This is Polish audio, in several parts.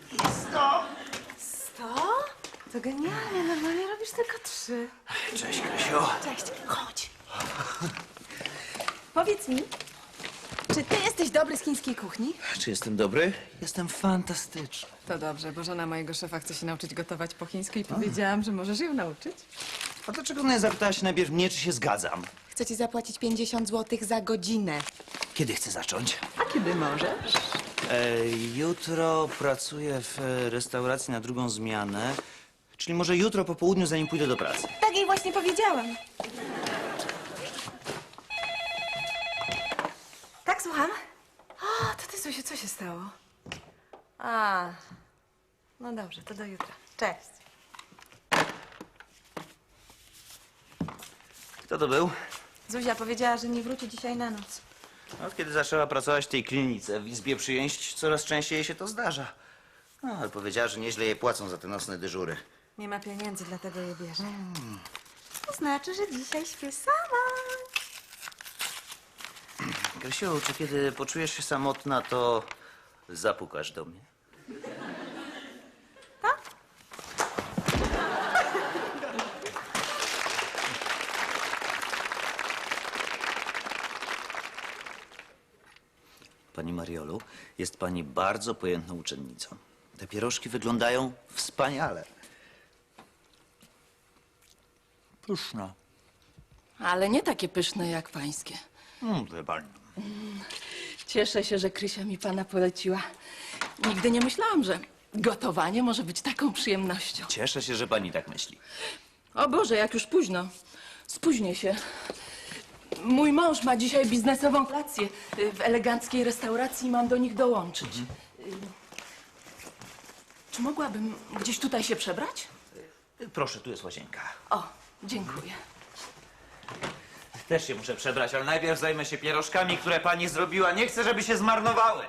I 100. 100? To genialnie, normalnie robisz tylko 3. Cześć, Krysiu. Cześć, chodź. Powiedz mi, czy ty jesteś dobry z chińskiej kuchni? Czy jestem dobry? Jestem fantastyczny. To dobrze, bo żona mojego szefa chce się nauczyć gotować po chińsku i powiedziałam, że możesz ją nauczyć. A dlaczego nie zapytałaś najpierw mnie, czy się zgadzam? Chcę ci zapłacić 50 zł za godzinę. Kiedy chcę zacząć? A kiedy możesz? Jutro pracuję w restauracji na drugą zmianę. Czyli może jutro po południu, zanim pójdę do pracy. Tak jej właśnie powiedziałam. Tak, słucham? O, to ty, Zosiu, co się stało? A, no dobrze, to do jutra. Cześć. Kto to był? Zuzia powiedziała, że nie wróci dzisiaj na noc. Od kiedy zaczęła pracować w tej klinice, w izbie przyjęć, coraz częściej jej się to zdarza. No, ale powiedziała, że nieźle jej płacą za te nocne dyżury. Nie ma pieniędzy, dlatego je bierze. To znaczy, że dzisiaj śpię sama. Krysiu, czy kiedy poczujesz się samotna, to zapukasz do mnie? Tak? Pani Mariolu, jest pani bardzo pojętną uczennicą. Te pierożki wyglądają wspaniale. Pyszne. Ale nie takie pyszne jak pańskie. Wie pani. Cieszę się, że Krysia mi pana poleciła. Nigdy nie myślałam, że gotowanie może być taką przyjemnością. Cieszę się, że pani tak myśli. O Boże, jak już późno. Spóźnię się. Mój mąż ma dzisiaj biznesową kolację w eleganckiej restauracji i mam do nich dołączyć. Czy mogłabym gdzieś tutaj się przebrać? Proszę, tu jest łazienka. O, dziękuję. Też się muszę przebrać, ale najpierw zajmę się pierożkami, które pani zrobiła. Nie chcę, żeby się zmarnowały.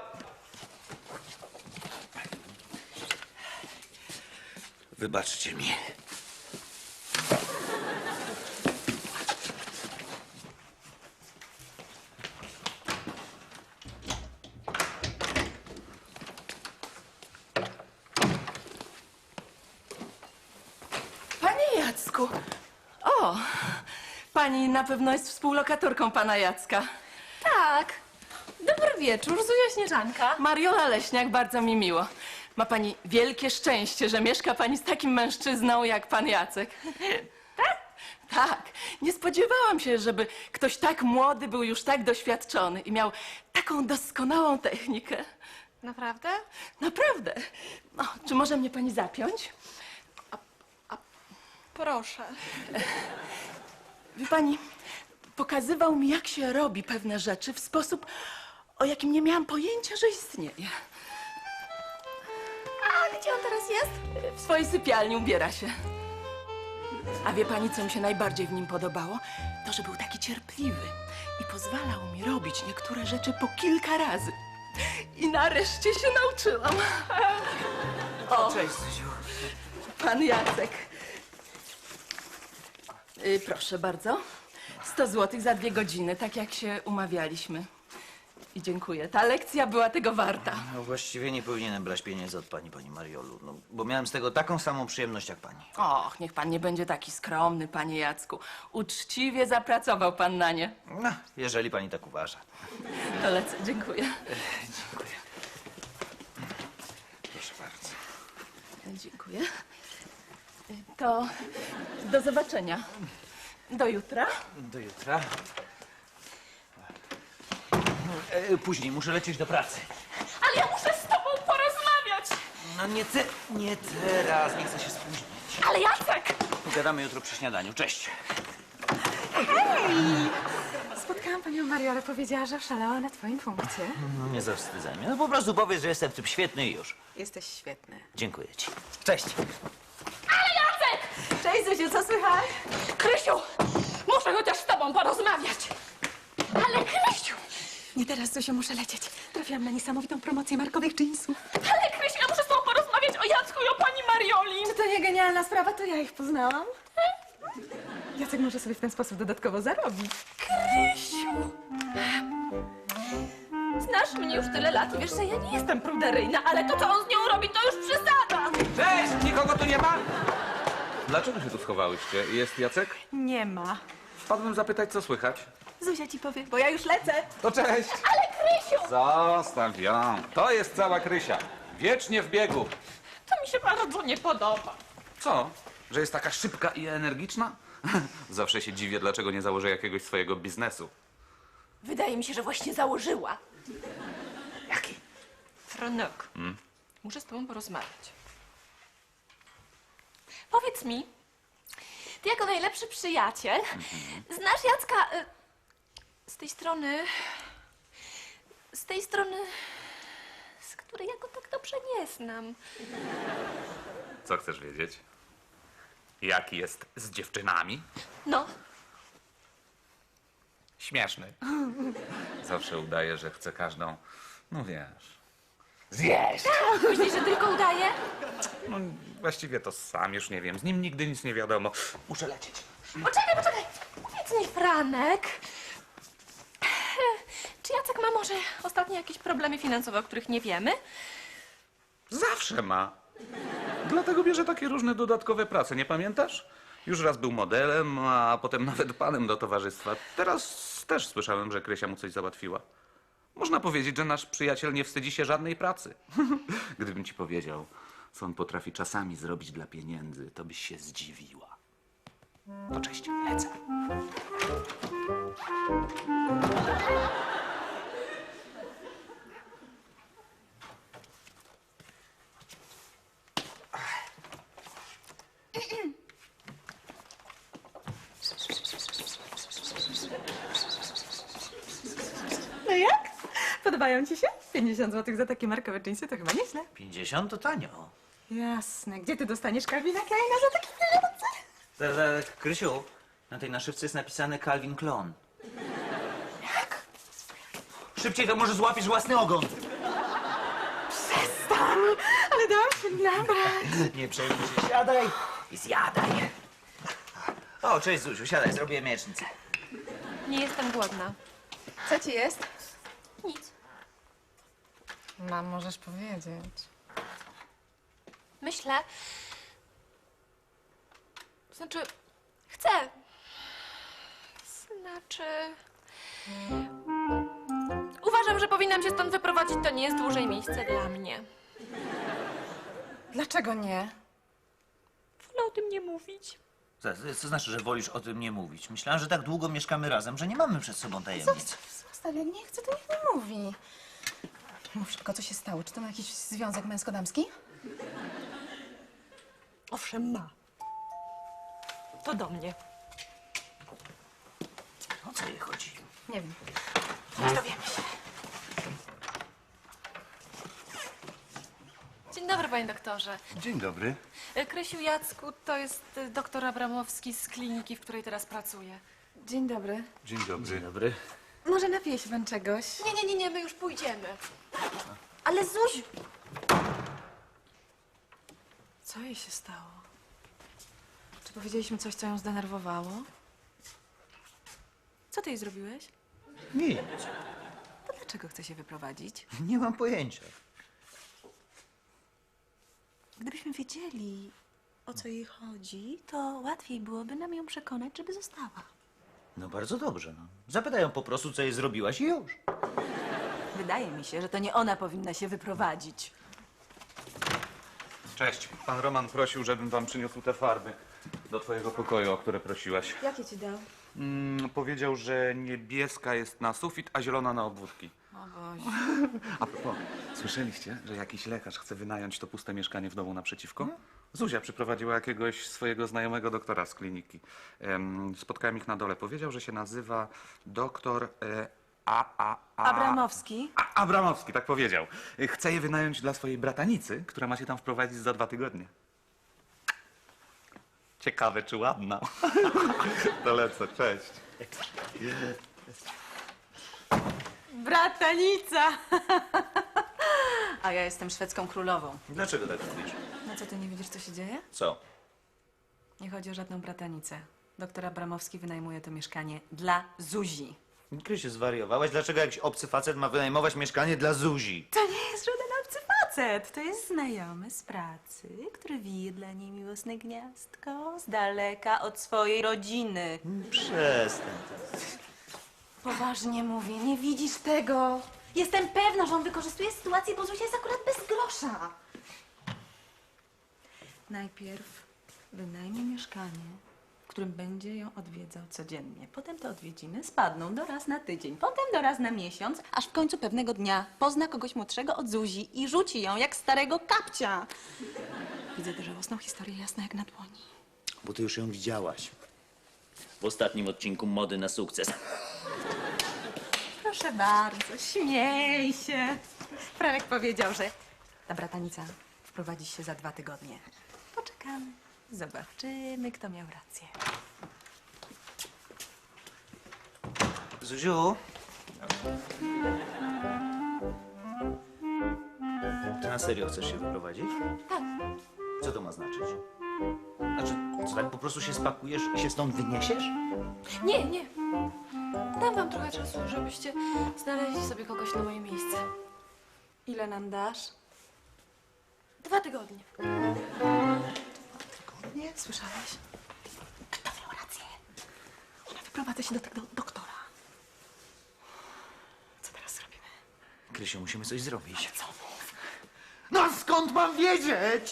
Wybaczcie mi. Panie Jacku! O! Pani na pewno jest współlokatorką pana Jacka. Tak. Dobry wieczór, Zuzia Śnieżanka. Mariola Leśniak, bardzo mi miło. Ma pani wielkie szczęście, że mieszka pani z takim mężczyzną jak pan Jacek. Tak? Tak. Nie spodziewałam się, żeby ktoś tak młody był już tak doświadczony i miał taką doskonałą technikę. Naprawdę? Naprawdę. No, czy może mnie pani zapiąć? Proszę. Wie pani, pokazywał mi, jak się robi pewne rzeczy w sposób, o jakim nie miałam pojęcia, że istnieje. A gdzie on teraz jest? W swojej sypialni ubiera się. A wie pani, co mi się najbardziej w nim podobało? To, że był taki cierpliwy i pozwalał mi robić niektóre rzeczy po kilka razy. I nareszcie się nauczyłam. O, Cześć, Zuziu. pan Jacek. Proszę bardzo. 100 zł za 2 godziny, tak jak się umawialiśmy. I dziękuję. Ta lekcja była tego warta. No właściwie nie powinienem brać pieniędzy od pani Mariolu, no, bo miałem z tego taką samą przyjemność jak pani. Och, niech pan nie będzie taki skromny, panie Jacku. Uczciwie zapracował pan na nie. No, jeżeli pani tak uważa. To lecę. Dziękuję. Dziękuję. Proszę bardzo. Dziękuję. To do zobaczenia. Do jutra. Do jutra. Później muszę lecieć do pracy. Ale ja muszę z tobą porozmawiać. No nie teraz, nie chcę się spóźnić. Ale Jacek! Pogadamy jutro przy śniadaniu. Cześć. Spotkałam panią Mariolę, powiedziała, że szalała na twoim punkcie. No nie zawstydzaj mnie. No po prostu powiedz, że jestem w tym świetny i już. Jesteś świetny. Dziękuję ci. Cześć. Ale Jacek! Cześć, Zuziu, co słychać? Krysiu! Muszę chociaż z tobą porozmawiać. Ale Krysiu! Nie teraz, Zuziu, muszę lecieć. Trafiłam na niesamowitą promocję markowych jeansów. Ale Krysiu, ja muszę z tobą porozmawiać o Jacku i o pani Marioli. Czy to nie genialna sprawa? To ja ich poznałam. Jacek może sobie w ten sposób dodatkowo zarobić. Krysiu! Znasz mnie już tyle lat i wiesz, że ja nie jestem pruderyjna, ale to, co on z nią robi, to już dlaczego się tu schowałyście? Jest Jacek? Nie ma. Wpadłem zapytać, co słychać. Zuzia ci powie, bo ja już lecę. To cześć! Ale Krysiu! Zostaw ją. To jest cała Krysia. Wiecznie w biegu. To mi się bardzo nie podoba. Co? Że jest taka szybka i energiczna? Zawsze się dziwię, dlaczego nie założę jakiegoś swojego biznesu. Wydaje mi się, że właśnie założyła. Jaki? Franek, muszę z tobą porozmawiać. Powiedz mi, ty jako najlepszy przyjaciel znasz Jacka z tej strony, z której ja go tak dobrze nie znam. Co chcesz wiedzieć? Jaki jest z dziewczynami? No, Śmieszny. Zawsze udaje, że chce każdą, no wiesz, zjeść. myślisz, że tylko udaje? No właściwie to sam już nie wiem. Z nim nigdy nic nie wiadomo. Muszę lecieć. Poczekaj. Powiedz mi, Franek, czy Jacek ma może ostatnio jakieś problemy finansowe, o których nie wiemy? Zawsze ma. Dlatego bierze takie różne dodatkowe prace, nie pamiętasz? Już raz był modelem, a potem nawet panem do towarzystwa. Teraz też słyszałem, że Krysia mu coś załatwiła. Można powiedzieć, że nasz przyjaciel nie wstydzi się żadnej pracy. Gdybym ci powiedział, co on potrafi czasami zrobić dla pieniędzy, to byś się zdziwiła. To cześć, lecę. No jak? Podobają ci się? 50 zł za takie markowe dżinsy to chyba nieźle. 50 to tanio. Jasne. Gdzie ty dostaniesz Calvina Kleina za takie pieniądze? Krysiu, na tej naszywce jest napisane Calvin Klein. Jak? Szybciej, to może złapiesz własny ogon. Przestań! Ale dałam się nabrać. Nie przejmuj się, siadaj i zjadaj. O, cześć Zuziu, siadaj, zrobię miecznicę. Nie jestem głodna. Co ci jest? Nic. Mam, możesz powiedzieć. Myślę. Znaczy, chcę. Znaczy. Uważam, że powinnam się stąd wyprowadzić. To nie jest dłużej miejsce dla mnie. Dlaczego nie? Wolę o tym nie mówić. Co znaczy, że wolisz o tym nie mówić? Myślałem, że tak długo mieszkamy razem, że nie mamy przed sobą tajemnic. Zostaw, jak nie chce, to niech nie mówi. Mów szybko, co się stało? Czy to ma jakiś związek męsko-damski? Owszem, ma. To do mnie. O co jej chodzi? Nie wiem. Dowiemy się. Dzień dobry, panie doktorze. Dzień dobry. Krysiu, Jacku, to jest doktor Abramowski z kliniki, w której teraz pracuję. Dzień dobry. Dzień dobry. Dzień dobry. Może napije się pan czegoś? Nie, my już pójdziemy. Ale Zuziu! Co jej się stało? Czy powiedzieliśmy coś, co ją zdenerwowało? Co ty jej zrobiłeś? Nic. To dlaczego chce się wyprowadzić? Nie mam pojęcia. Gdybyśmy wiedzieli, o co jej chodzi, to łatwiej byłoby nam ją przekonać, żeby została. No bardzo dobrze, no. Zapytaj ją po prostu, co jej zrobiłaś i już. Wydaje mi się, że to nie ona powinna się wyprowadzić. Cześć. Pan Roman prosił, żebym wam przyniósł te farby do twojego pokoju, o które prosiłaś. Jakie ci dał? Powiedział, że niebieska jest na sufit, a zielona na obwódki. O Boże. A propos, słyszeliście, że jakiś lekarz chce wynająć to puste mieszkanie w domu naprzeciwko? Zuzia przyprowadziła jakiegoś swojego znajomego doktora z kliniki. Spotkałem ich na dole. Powiedział, że się nazywa doktor Abramowski? Abramowski, tak powiedział. Chce je wynająć dla swojej bratanicy, która ma się tam wprowadzić za 2 tygodnie. Ciekawe, czy ładna. To lecę, cześć. Bratanica! A ja jestem szwedzką królową. Dlaczego tak mówisz? No co, ty nie widzisz, co się dzieje? Co? Nie chodzi o żadną bratanicę. Doktor Abramowski wynajmuje to mieszkanie dla Zuzi. Krysiu, zwariowałaś? Dlaczego jakiś obcy facet ma wynajmować mieszkanie dla Zuzi? To nie jest żaden obcy facet. facet. To jest znajomy z pracy, który wije dla niej miłosne gniazdko z daleka od swojej rodziny. Przestań. Poważnie mówię, nie widzisz tego? Jestem pewna, że on wykorzystuje sytuację, bo Zuzia jest akurat bez grosza. Najpierw wynajmie mieszkanie, w którym będzie ją odwiedzał codziennie. Potem te odwiedziny spadną do raz na tydzień, potem do raz na miesiąc, aż w końcu pewnego dnia pozna kogoś młodszego od Zuzi i rzuci ją jak starego kapcia. Widzę tę żałosną historię jasna jak na dłoni. Bo ty już ją widziałaś. W ostatnim odcinku Mody na sukces. Proszę bardzo, śmiej się. Franek powiedział, że ta bratanica wprowadzi się za 2 tygodnie. Poczekamy, zobaczymy, kto miał rację. Zuziu? Ty na serio chcesz się wyprowadzić? Tak. Co to ma znaczyć? Znaczy, co tak po prostu się spakujesz i się stąd wyniesiesz? Nie, nie. Dam wam trochę czasu, żebyście znaleźli sobie kogoś na moje miejsce. Ile nam dasz? 2 tygodnie. Nie, słyszałeś? Kto miał rację? Ona wyprowadza się do tego doktora. Co teraz zrobimy? Krysiu, musimy coś zrobić. Co mów? No skąd mam wiedzieć?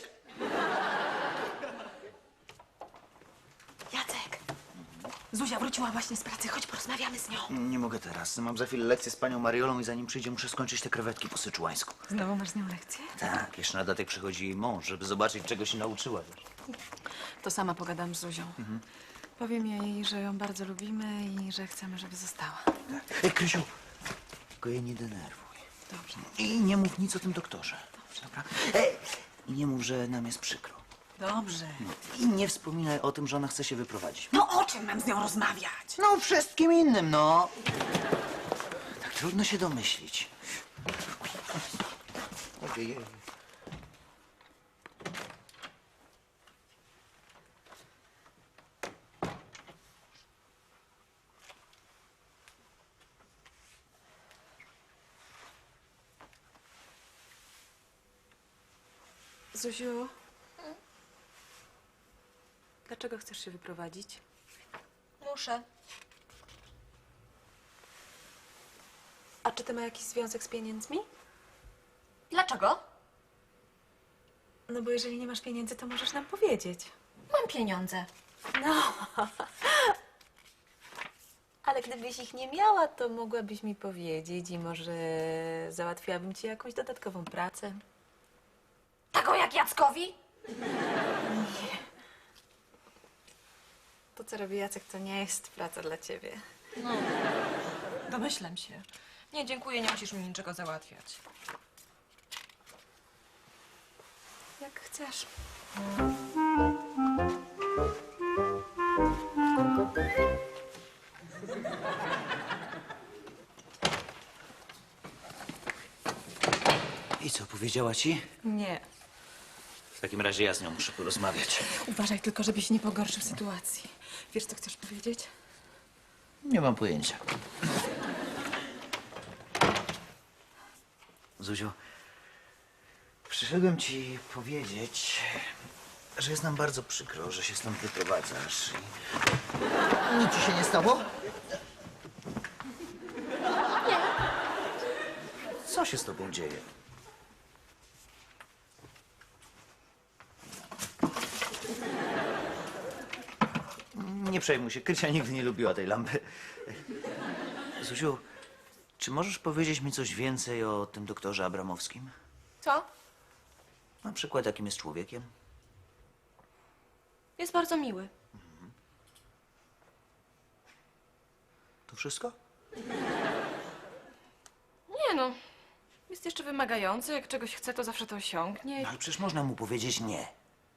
Jacek! Zuzia wróciła właśnie z pracy, chodź porozmawiamy z nią. Nie mogę teraz. Mam za chwilę lekcję z panią Mariolą i zanim przyjdzie, muszę skończyć te krewetki po syczuańsku. Znowu masz z nią lekcję? Tak, jeszcze na datek przychodzi jej mąż, żeby zobaczyć, czego się nauczyła. To sama pogadam z Zuzią. Powiem jej, że ją bardzo lubimy i że chcemy, żeby została. Ej, Krysiu, tylko jej nie denerwuj. Dobrze. I nie mów nic o tym doktorze. Dobra? Ej, i nie mów, że nam jest przykro. Dobrze. I nie wspominaj o tym, że ona chce się wyprowadzić. No o czym mam z nią rozmawiać? No, wszystkim innym, no. Tak trudno się domyślić. Ojej. Zuziu? Dlaczego chcesz się wyprowadzić? Muszę. A czy to ma jakiś związek z pieniędzmi? Dlaczego? No bo jeżeli nie masz pieniędzy, to możesz nam powiedzieć. Mam pieniądze. No. Ale gdybyś ich nie miała, to mogłabyś mi powiedzieć i może załatwiłabym ci jakąś dodatkową pracę. Taką jak Jackowi? To, co robi Jacek, to nie jest praca dla ciebie. Domyślam się. Nie, dziękuję, nie musisz mi niczego załatwiać. Jak chcesz. I co, powiedziała ci? Nie. W takim razie ja z nią muszę porozmawiać. Uważaj tylko, żebyś nie pogorszył sytuacji. Wiesz, co chcesz powiedzieć? Nie mam pojęcia. Zuziu, przyszedłem ci powiedzieć, że jest nam bardzo przykro, że się stąd wyprowadzasz. Nic ci się nie stało? Nie. Co się z tobą dzieje? Nie przejmuj się, Krysia nigdy nie lubiła tej lampy. Zuziu, czy możesz powiedzieć mi coś więcej o tym doktorze Abramowskim? Co? Na przykład, jakim jest człowiekiem? Jest bardzo miły. To wszystko? Nie no, jest jeszcze wymagający. Jak czegoś chce, to zawsze to osiągnie. No, ale przecież można mu powiedzieć nie.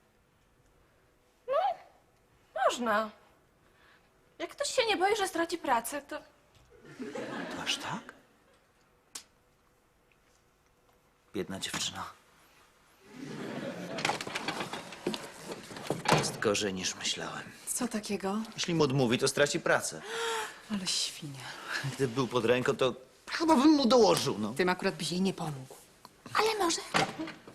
Można. Jak ktoś się nie boi, że straci pracę, to... To aż tak? Biedna dziewczyna. Jest gorzej niż myślałem. Co takiego? Jeśli mu odmówi, to straci pracę. Ale świnia. Gdyby był pod ręką, to chyba bym mu dołożył, no. Tym akurat byś jej nie pomógł. Ale może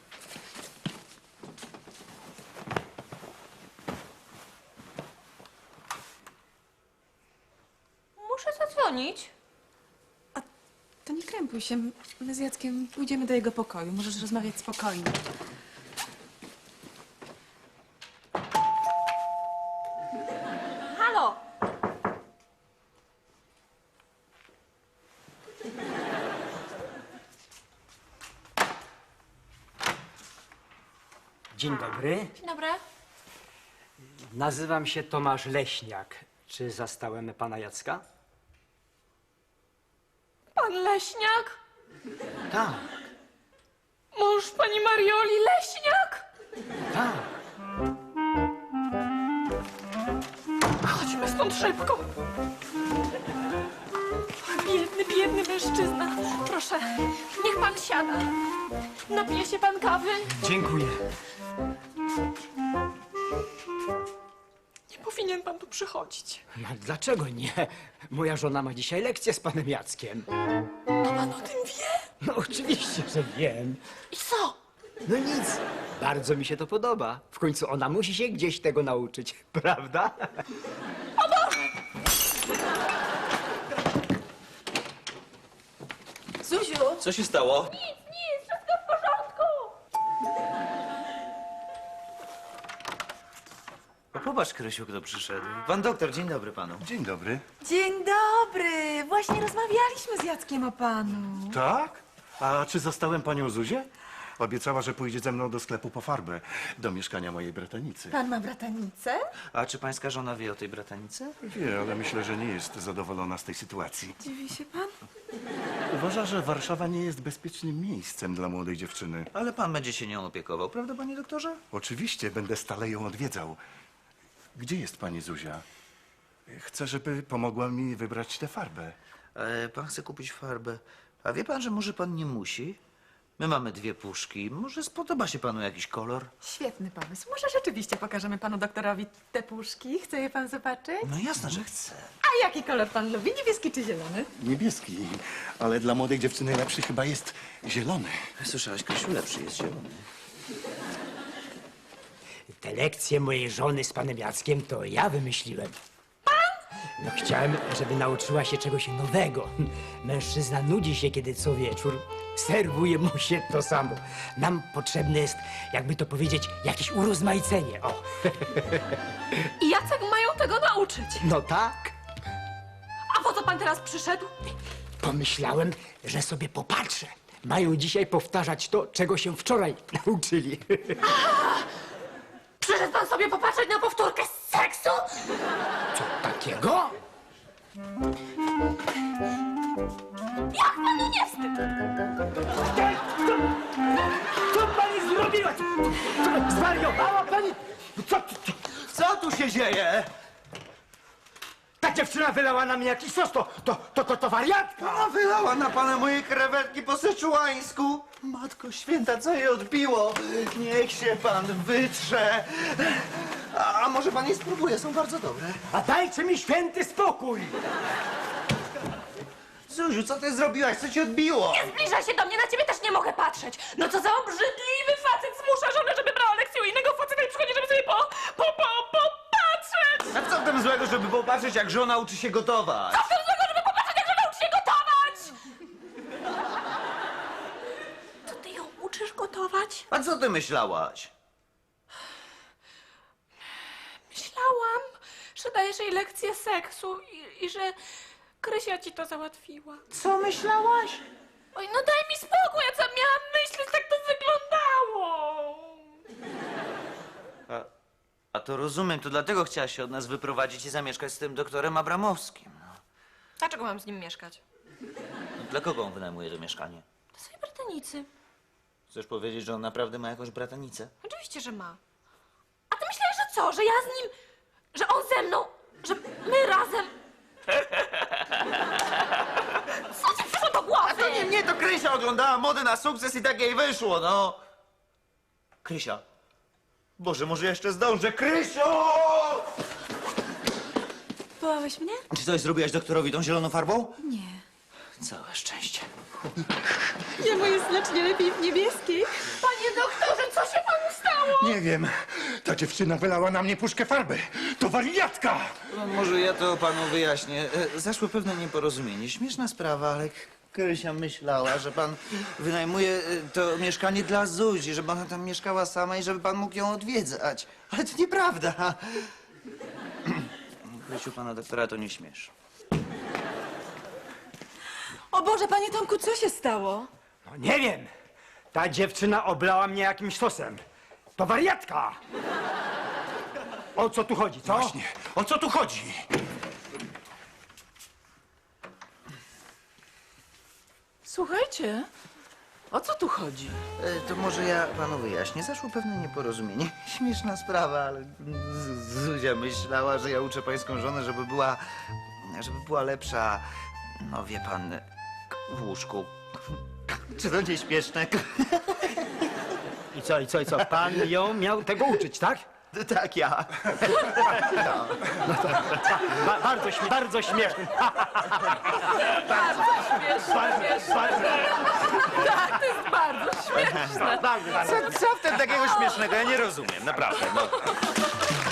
dzwonić? To nie krępuj się. My z Jackiem pójdziemy do jego pokoju. Możesz rozmawiać spokojnie. Halo? Dzień dobry. Dzień dobry. Nazywam się Tomasz Leśniak. Czy zastałem pana Jacka? Pan Leśniak? Tak, Mąż pani Marioli Leśniak? tak. Chodźmy stąd szybko. Biedny, biedny mężczyzna. Proszę, niech pan siada. Napije się pan kawy? Dziękuję. Nie powinien pan tu przychodzić. No, dlaczego nie? Moja żona ma dzisiaj lekcję z panem Jackiem. A pan o tym wie? No oczywiście, że wiem. I co? No nic. Bardzo mi się to podoba. W końcu ona musi się gdzieś tego nauczyć, prawda? Zuziu! Co się stało? Nic, wszystko w porządku. O, popatrz, Krysiu, kto przyszedł. Pan doktor, dzień dobry panu. Dzień dobry. Dzień dobry! Właśnie rozmawialiśmy z Jackiem o panu. Tak? A czy zastałem panią Zuzię? Obiecała, że pójdzie ze mną do sklepu po farbę, do mieszkania mojej bratanicy. Pan ma bratanicę? A czy pańska żona wie o tej bratanicy? Wie, ale myślę, że nie jest zadowolona z tej sytuacji. Dziwi się pan? Uważa, że Warszawa nie jest bezpiecznym miejscem dla młodej dziewczyny. Ale pan będzie się nią opiekował, prawda, panie doktorze? Oczywiście, będę stale ją odwiedzał. Gdzie jest pani Zuzia? Chcę, żeby pomogła mi wybrać tę farbę. Pan chce kupić farbę. A wie pan, że może pan nie musi? My mamy 2 puszki. Może spodoba się panu jakiś kolor? Świetny pomysł. Może rzeczywiście pokażemy panu doktorowi te puszki? Chce je pan zobaczyć? No jasne, że chcę. A jaki kolor pan lubi? Niebieski czy zielony? Niebieski, ale dla młodej dziewczyny lepszy chyba jest zielony. Słyszałaś, Krysiu, lepszy jest zielony. Te lekcje mojej żony z panem Jackiem to ja wymyśliłem. Pan? No chciałem, żeby nauczyła się czegoś nowego. Mężczyzna nudzi się, kiedy co wieczór serwuje mu się to samo. Nam potrzebne jest, jakby to powiedzieć, jakieś urozmaicenie. O, I Jacek mają tego nauczyć. no tak. A po co pan teraz przyszedł? Pomyślałem, że sobie popatrzę. Mają dzisiaj powtarzać to, czego się wczoraj nauczyli. Przyszedł pan sobie popatrzeć na powtórkę z seksu? Co takiego? Jak panu nie wstyd? Co pani zrobiła? Zwariowała pani? Co tu się dzieje? Ta dziewczyna wylała na mnie jakiś sos, to wariatka! Ona wylała na pana moje krewetki po seczułańsku. Matko święta, co jej odbiło? Niech się pan wytrze. A może pan je spróbuje, są bardzo dobre. A dajcie mi święty spokój! Zuziu, co ty zrobiłaś? Co ci odbiło? Zbliżaj się do mnie, na ciebie też nie mogę patrzeć. No co za obrzydliwy facet zmusza żonę, żeby brała lekcję u innego faceta i przychodzi, żeby sobie popatrzeć. A co w tym złego, żeby popatrzeć, jak żona uczy się gotować? Co w tym złego, żeby popatrzeć, jak żona uczy się gotować? To ty ją uczysz gotować? A co ty myślałaś? Myślałam, że dajesz jej lekcję seksu i że Krysia ci to załatwiła. Co myślałaś? Oj, no daj mi spokój, ja co miałam myśleć, tak to wyglądało. A to rozumiem, to dlatego chciałaś się od nas wyprowadzić i zamieszkać z tym doktorem Abramowskim. No. Dlaczego mam z nim mieszkać? No, dla kogo on wynajmuje to mieszkanie? To swojej bratanicy. Chcesz powiedzieć, że on naprawdę ma jakąś bratanicę? Oczywiście, że ma. A ty myślałeś, że co? Że ja z nim... Że on ze mną... Że my razem... Co ci przyszło do głowy? To nie mnie, to Krysia oglądała modę na sukces i tak jej wyszło, no. Krysia. Boże, może jeszcze zdążę. Krysio! Wołałeś mnie? Czy coś zrobiłaś doktorowi tą zieloną farbą? Nie. Całe szczęście. Jemu jest znacznie lepiej w niebieskiej. Panie doktorze, co się panu stało? Nie wiem, ta dziewczyna wylała na mnie puszkę farby. To wariatka! No, może ja to panu wyjaśnię. Zaszło pewne nieporozumienie. Śmieszna sprawa, ale Krysia myślała, że pan wynajmuje to mieszkanie dla Zuzi, żeby ona tam mieszkała sama i żeby pan mógł ją odwiedzać. Ale to nieprawda. Krysiu, pana doktora to nie śmiesz. O Boże, panie Tomku, co się stało? No nie wiem. Ta dziewczyna oblała mnie jakimś sosem. To wariatka! O co tu chodzi, co? Właśnie, o co tu chodzi? Słuchajcie, o co tu chodzi? To może ja panu wyjaśnię. Zaszło pewne nieporozumienie. Śmieszna sprawa, ale Zuzia myślała, że ja uczę pańską żonę, żeby była lepsza, no wie pan, w łóżku. Czy to nie śmieszne? I co? Pan ją miał tego uczyć, tak? Tak, ja. Bardzo śmieszny. Tak, to jest bardzo śmieszne. Co w tym takiego śmiesznego? Ja nie rozumiem, naprawdę. No.